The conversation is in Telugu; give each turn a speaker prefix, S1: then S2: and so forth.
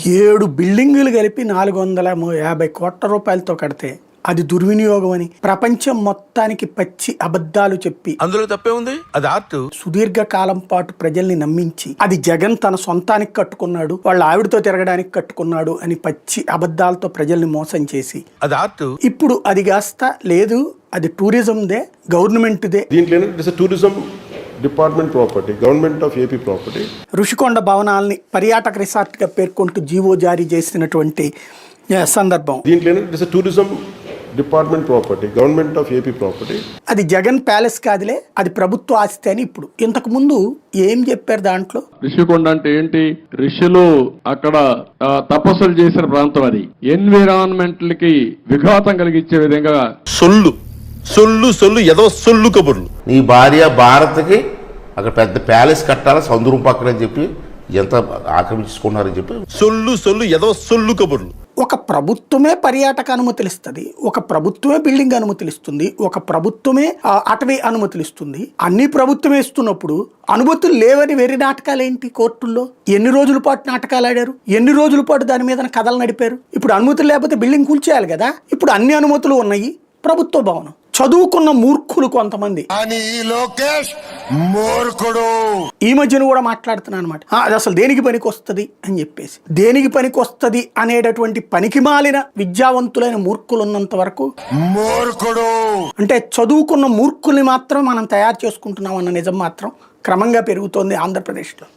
S1: 7 బిల్డింగులు కలిపి 450 కోట్ల రూపాయలతో కడితే అది దుర్వినియోగం అని ప్రపంచం మొత్తానికి పచ్చి అబద్ధాలు చెప్పి
S2: అందులో తప్పే ఉంది, అది ఆర్ట్.
S1: సుదీర్ఘ కాలం పాటు ప్రజల్ని నమ్మించి అది జగన్ తన సొంతానికి కట్టుకున్నాడు, వాళ్ళ ఆవిడతో తిరగడానికి కట్టుకున్నాడు అని పచ్చి అబద్ధాలతో ప్రజల్ని మోసం చేసి
S2: అది ఆర్ట్.
S1: ఇప్పుడు అది కాస్త లేదు, అది టూరిజందే, గవర్నమెంట్దే.
S3: దీంట్లో tourism department property, government of AP property.
S1: Rushikonda భవనాల్ని పర్యాటక రిసార్ట్గా పేర్కొంటూ జీవో జారీ చేసినటువంటి సందర్భం.
S3: దీంట్లో tourism department property, government of AP property.
S1: అది జగన్ ప్యాలెస్ కాదులే, అది ప్రభుత్వ ఆస్తి అని ఇప్పుడు. ఇంతకు ముందు ఏం చెప్పారు దాంట్లో?
S4: ఋషికొండ అంటే ఏంటి? ఋషులు అక్కడ తపస్సులు చేసిన ప్రాంతం. అది ఎన్విరాన్మెంట్ కి విఘాతం కలిగించే విధంగా
S2: సొల్లు సొల్లు సొల్లు ఏదో సొల్లు కబుర్లు.
S5: నీ భార్య భారత్కి అక్కడ పెద్ద ప్యాలెస్ కట్టాలి సముద్రం పక్కన అని చెప్పి ఎంత ఆక్రమించుకున్నారని చెప్పి
S2: సొల్లు సొల్లు ఏదో సొల్లు కబుర్లు.
S1: ఒక ప్రభుత్వమే పర్యాటక అనుమతులు ఇస్తుంది, ఒక ప్రభుత్వమే బిల్డింగ్ అనుమతులు ఇస్తుంది, ఒక ప్రభుత్వమే అటవీ అనుమతులు ఇస్తుంది. అన్ని ప్రభుత్వమే ఇస్తున్నప్పుడు అనుమతులు లేవని వెర్రి నాటకాలు ఏంటి? కోర్టుల్లో ఎన్ని రోజుల పాటు నాటకాలు ఆడారు, ఎన్ని రోజుల పాటు దాని మీద కథలు నడిపారు. ఇప్పుడు అనుమతులు లేకపోతే బిల్డింగ్ కూల్చేయాలి కదా. ఇప్పుడు అన్ని అనుమతులు ఉన్నాయి, ప్రభుత్వ భవనం. చదువుకున్న మూర్ఖులు కొంతమంది ఈ మధ్యన కూడా మాట్లాడుతున్నాను అనమాట. అది అసలు దేనికి పనికి వస్తుంది అని చెప్పేసి, దేనికి పనికి వస్తుంది అనేటటువంటి పనికి మాలిన విద్యావంతులైన మూర్ఖులు ఉన్నంత వరకు అంటే చదువుకున్న మూర్ఖుల్ని మాత్రం మనం తయారు చేసుకుంటున్నాం అన్న నిజం మాత్రం క్రమంగా పెరుగుతోంది ఆంధ్రప్రదేశ్లో.